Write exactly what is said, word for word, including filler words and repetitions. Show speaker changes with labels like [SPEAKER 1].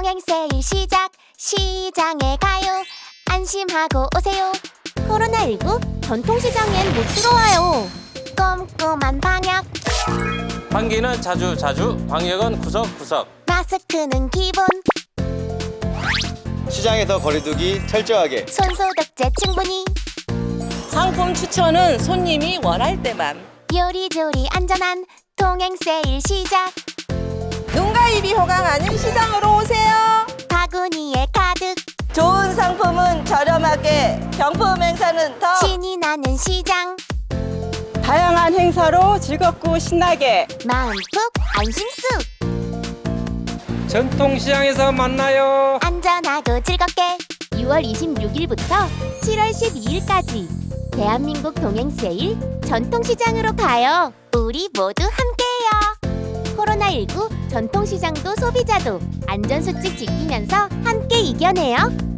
[SPEAKER 1] 동행 세일 시작. 시장에 가요. 안심하고 오세요. 코로나십구 전통시장엔 못 들어와요. 꼼꼼한 방역.
[SPEAKER 2] 환기는 자주 자주, 방역은 구석구석.
[SPEAKER 1] 마스크는 기본.
[SPEAKER 3] 시장에서 거리두기 철저하게.
[SPEAKER 1] 손소독제 충분히.
[SPEAKER 4] 상품 추천은 손님이 원할 때만.
[SPEAKER 1] 요리조리 안전한 동행 세일 시작.
[SPEAKER 4] 눈과 입이 호강 아닌 시장으로 오세요.
[SPEAKER 1] 바구니에 가득.
[SPEAKER 4] 좋은 상품은 저렴하게, 경품 행사는 더.
[SPEAKER 1] 신이 나는 시장.
[SPEAKER 5] 다양한 행사로 즐겁고 신나게.
[SPEAKER 1] 마음 푹 안심쑥.
[SPEAKER 6] 전통시장에서 만나요.
[SPEAKER 1] 안전하고 즐겁게. 유월 이십육일부터 칠월 십이일까지 대한민국 동행 세일 전통시장으로 가요. 우리 모두 함께해요. 코로나십구 전통시장도 소비자도 안전수칙 지키면서 함께 이겨내요.